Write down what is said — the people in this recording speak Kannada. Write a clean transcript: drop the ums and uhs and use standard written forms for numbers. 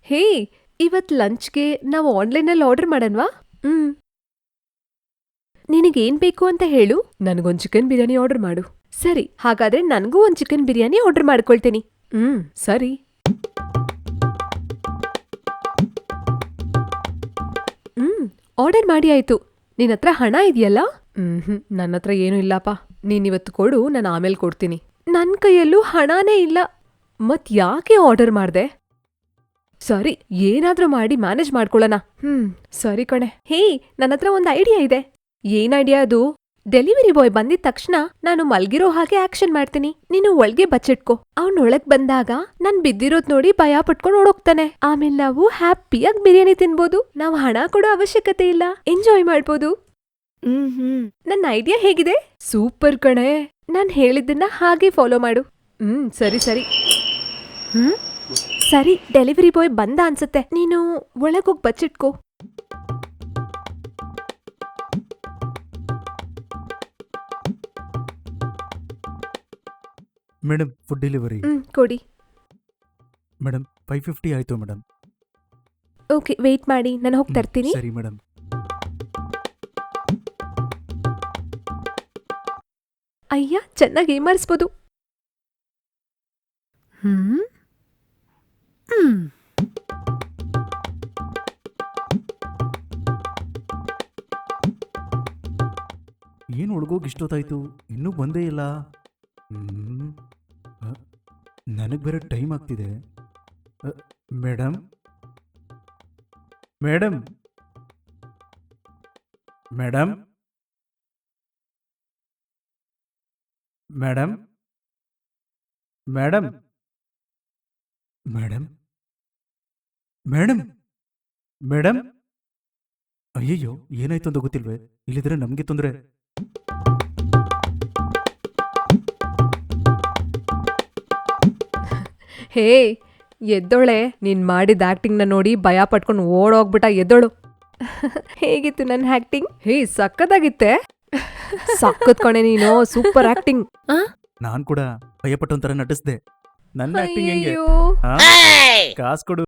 ಹೇ, ಇವತ್ ಲಂಚ್ಗೆ ನಾವು ಆನ್ಲೈನಲ್ಲಿ ಆರ್ಡರ್ ಮಾಡನ್ವಾ? ನಿನಗೇನ್ ಬೇಕು ಅಂತ ಹೇಳು, ನನಗೊಂದ್ ಚಿಕನ್ ಬಿರಿಯಾನಿ ಆರ್ಡರ್ ಮಾಡು. ಸರಿ, ಹಾಗಾದ್ರೆ ನನ್ಗೂ ಒಂದ್ ಚಿಕನ್ ಬಿರಿಯಾನಿ ಆರ್ಡರ್ ಮಾಡ್ಕೊಳ್ತೀನಿ. ಸರಿ. ಆರ್ಡರ್ ಮಾಡಿ ಆಯ್ತು. ನಿನ್ನತ್ರ ಹಣ ಇದೆಯಲ್ಲ? ನನ್ನತ್ರ ಏನೂ ಇಲ್ಲಪ್ಪ. ನೀನಿವತ್ತು ಕೊಡು, ನಾನು ಆಮೇಲೆ ಕೊಡ್ತೀನಿ. ನನ್ ಕೈಯಲ್ಲೂ ಹಣನೇ ಇಲ್ಲ. ಮತ್ ಯಾಕೆ ಆರ್ಡರ್ ಮಾಡ್ದೆ? ಸರಿ, ಏನಾದ್ರೂ ಮಾಡಿ ಮ್ಯಾನೇಜ್ ಮಾಡ್ಕೊಳ್ಳೋಣ. ಸರಿ ಕಣೆ. ಹೇ, ನನ್ನತ್ರ ಒಂದ್ ಐಡಿಯಾ ಇದೆ. ಏನ್ ಐಡಿಯಾ ಅದು? ಡೆಲಿವರಿ ಬಾಯ್ ಬಂದಿದ ತಕ್ಷಣ ನಾನು ಮಲ್ಗಿರೋ ಹಾಗೆ ಆಕ್ಷನ್ ಮಾಡ್ತೀನಿ. ನೀನು ಒಳ್ಗೆ ಬಚ್ಚಿಟ್ಕೋ. ಅವ್ನ್ ಒಳಗ್ ಬಂದಾಗ ನಾನ್ ಬಿದ್ದಿರೋದ್ ನೋಡಿ ಭಯ ಪಟ್ಕೊಂಡ್ ಓಡೋಗ್ತಾನೆ. ಆಮೇಲೆ ನಾವು ಹ್ಯಾಪಿಯಾಗಿ ಬಿರಿಯಾನಿ ತಿನ್ಬೋದು. ನಾವು ಹಣ ಕೊಡೋ ಅವಶ್ಯಕತೆ ಇಲ್ಲ, ಎಂಜಾಯ್ ಮಾಡ್ಬೋದು. ನನ್ನ ಐಡಿಯಾ ಹೇಗಿದೆ? ಸೂಪರ್ ಕಣೆ. ನಾನ್ ಹೇಳಿದ್ದನ್ನ ಹಾಗೆ ಫಾಲೋ ಮಾಡು. ಸರಿ ಸರಿ. ಸರಿ, ಡೆಲಿವರಿ ಬಾಯ್ ಬಂದ ಅನ್ಸುತ್ತೆ. ನೀನು ಒಳಗೋಗ್ ಬಚ್ಚಿಟ್ಕೋ. Madam, food delivery. ಕೊಡಿ. ಮೇಡಮ್, 550 ಆಯ್ತು ಮೇಡಮ್. ಓಕೆ, ವೇಟ್ ಮಾಡಿ, ನಾನು ಹೋಗಿ ತರ್ತೀನಿ. ಸರಿ ಮೇಡಮ್. ಅಯ್ಯ, ಚೆನ್ನಾಗಿ ಏಮಾರಿಸ್ಬೋದು. ಏನು ಹುಡುಗೋಗಿ ಇಷ್ಟೊತ್ತಾಯ್ತು, ಇನ್ನೂ ಬಂದೇ ಇಲ್ಲ. ನನಗೆ ಬೇರೆ ಟೈಮ್ ಆಗ್ತಿದೆ. Madam madam madam madam madam madam madam madam ಅಯ್ಯಯ್ಯೋ, ಏನಾಯ್ತು ಅಂತ ಗೊತ್ತಿಲ್ವೇ? ಇಲ್ಲಿದ್ರೆ ನಮಗೆ ತೊಂದರೆ. ಹೇ, ಎದ್ದೋಳೆ. ನೀನ್ ಮಾಡಿದ ಆಕ್ಟಿಂಗ್ನ ನೋಡಿ ಭಯ ಪಟ್ಕೊಂಡು ಓಡೋಗ್ಬಿಟ್ಟ. ಎದ್ದೋಳು. ಹೇಗಿತ್ತು ನನ್ನ ಆಕ್ಟಿಂಗ್? ಹೇ, ಸಕ್ಕತ್ತಾಗಿತ್ತೆ. ಸಕ್ಕತ್ ಕಣೆ ನೀನು. Super acting. ನಾನ್ ಕೂಡ ಭಯಪಟ್ಟೊಂಥರ ನಟಿಸ್ದೆ. ನನ್ನ ಆಕ್ಟಿಂಗ್ ಹೆಂಗೆ? ಅಯ್ಯೋ. ಕಾಸು ಕೊಡು.